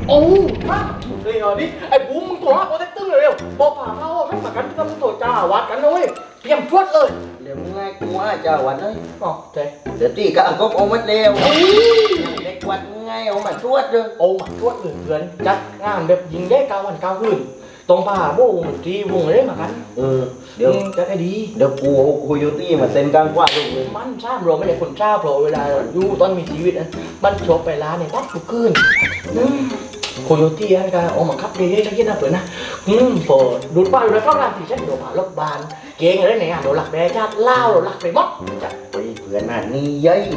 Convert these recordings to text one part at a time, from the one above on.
โอ้มาเฮ้ยนี่ไอ้บูมมึงโทรหาโปรเทคเตอร์เร็วบอกผ่าเขาให้มากันที่ต้องโทรจ้าวัดกันนะเว้ยเตรียมชวดเลยเดี๋ยวมึงไงกูจะวันเลยอ๋อเจ๊เดี๋ยวตีก็ก็เอามาเร็วเด็กวัดมึงไงเอามาชวดเลยโอ้มาชวดเลยเพื่อนจัดงานแบบยิงได้9 วัน 9 คืนตรงผ่าโบ้งทีวงเลยมากันเดี๋ยวจะได้ดีเดี๋ยวกูเอาโคโยตี้มาเต้นกลางกว้างเลยมันทราบเราไม่ได้คนทราบเราเวลาอยู่ตอนมีชีวิตนะมันชอบไปร้านเนี่ยตัดทุกคืนโคโยตี้อันก็เอามาขับเรื่อยๆชักเย็นนะเปิดนะพอดูดป้าดูแล้วก็ร้านที่ฉันเดี๋ยวผ่ารถบานเก่งอะไรเนี่ยเราหลักแบชาติเล่าเราหลักไปหมดจับไปเพื่อนน่ะนี่ยัย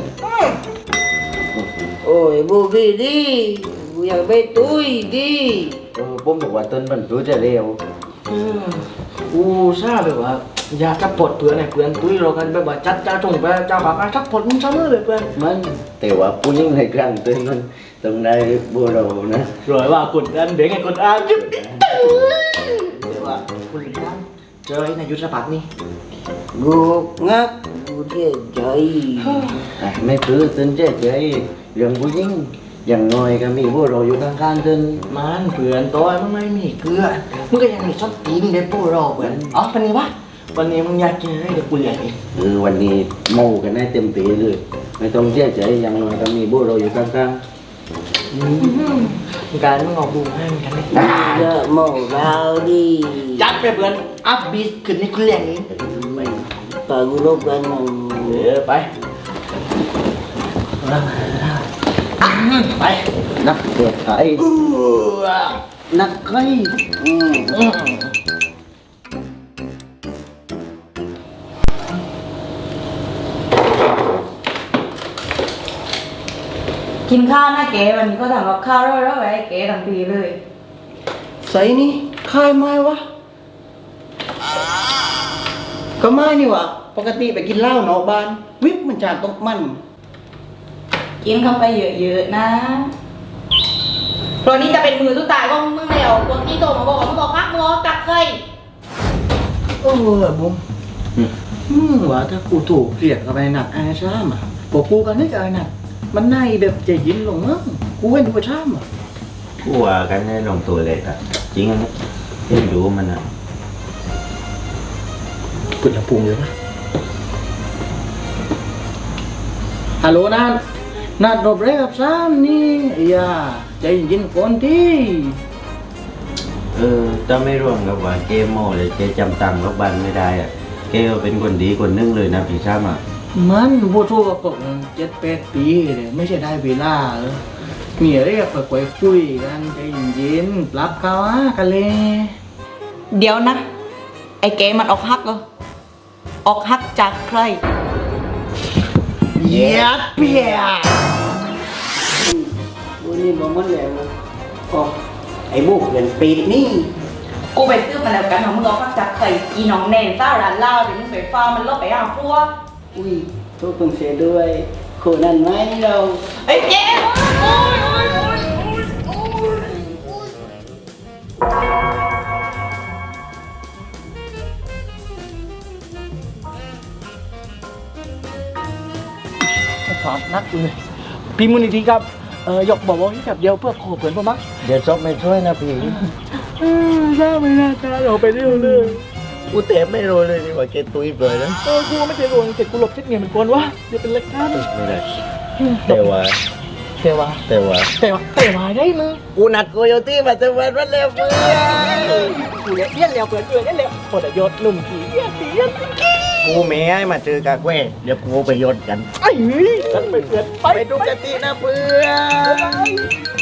โอ้ยบูบี้ดิกูอยากไปตุ้ยดิผมบอกว่าเต้นมันรู้จะเร็วกูทราบแบบว่าอยากจะปลดเพื่อนไอ้เพื่อนตุ้ยเรากันแบบว่าจัดจ้าจงไปจ้าปากจัดปลดมึงซ้ำเลยเพื่อนมันแต่ว่าผู้หญิงในกลางเต้นมันต้องได้บัวเรานะรอยว่ากดดันเด็กไอ้กดดันจิ๊บแต่ว่าคุณลิซ่าเจอไอ้นายยุทธภักดิ์นี่กูงักกูเสียใจไม่คือเต้นเจ๊เรื่องผู้หญิงอย่างน้อยก็มีบัวเราอยู่ข้างๆเต้นมันเพื่อนตัวมันไม่มีเกลือมึงก็ยังมีช้อนตีนเด็กพวกเราเพื่อนอ๋อวันนี้วะวันนี้มึงอยากกินอะไรเดี๋ยวกูเลี้ยงเองวันนี้เมากันได้เต็มตีเลยไม่ต้องเสียใจอย่างน้อยก็มีบัวเราอยู่ข้างการมึงเอาบูมให้มันกันเลยเลิกเมาเราดิจัดไปเพื่อนอัพบีทขึ้นนี่กูเลี้ยงเองปากกูลบกันมั่งไปไปๆนักเตะไทยนักไก่กินข้าวนะเก๋วันนี้ก็ทำกับข้าวร่อยๆไว้ให้เก๋ทั้งปีเลยใส่นี่คายไม้วะก็ไม่นี่วะปกติไปกินเหล้านอกบ้าน วิบมันจากตกมันกินเข้าไปเยอะๆนะเพราะนี้จะเป็นมือสุดท้ายของมึงแล้วพวกที่โตมาบอกว่ามึงบอกพักมึงบอกกักเคยบุ้มว่าถ้ากูถูกเรียกกับไอ้หนักไอ้ช้ามอ่ะพวกกูกันนี่กับไอ้หนักมันในแบบใจยินลงมั้งกูเห็นดูช้ามอ่ะผู้ว่ากันให้ลงตัวเลยอ่ะจริงนะยังดูมันอ่ะกุดละพุงเยอะปะฮัลโหลนัดรบเร่กับซ้ำนี่อย่าใจเย็นก่อนที่ถ้าไม่ร่วมกับว่าเกมโม่เลยเกจำตังค์รบบันไม่ได้อ่ะเกก็เป็นคนดีคนนึงเลยนะพี่ช้ำอ่ะมันพูดทั่วกับ7-8 ปีเลยไม่ใช่ได้เวลาเลยมีอะไรก็ค่อยๆคุยกันใจเย็นๆปรับเขากันเลยเดี๋ยวนะ ไอ้เก๋มันออกฮักเหรอออกฮักจากใครเยียบเปียวันนี้บอกมันแล้วก็ไอ้บุกเรียนปีนี่กูไปซื้อมาแล้วกันของมึงออกฮักจากใครอีน้องแนนเจ้าร้านเหล้าเดี๋ยวมึงไปฟ้ามันลบไปหาพวกอุ้ยทุกคนเสียด้วยคนนั้นไหมเราไอ้เก๋โอ้ยถอดนักเลยพี่มูลนิธิครับยกบอกว่าแค่เดียวเพื่อขอเพื่อนพ่อมักเดี๋ยวซบไม่ช่วยนะพี่ทราบไม่น่าจะเราไปเรื่อยเลยกูเตะไม่รู้เลยดีกว่าเกตุยเปลยนะกูไม่เคยโดนเจ็บกูหลบเช็ดเงินเหมือนกันวะเดี๋ยวเป็นเล็กท่านไม่ได้แต่ว่าเทวาแต่ว่าเทวาได้มึงกูนัดโคโยตี้มาจะวันวันแล้วเพื่อนกูเลี้ยนแล้วเพื่อนเลี้ยนแล้วพอแต่ยศหนุ่มผีเลี้ยนกูไม่ให้มาเจอกากแว่เดี๋ยวกูไปยนกันไอ้เฮ้ยฉันไปเพื่อนไปดูกตินะเพื่อน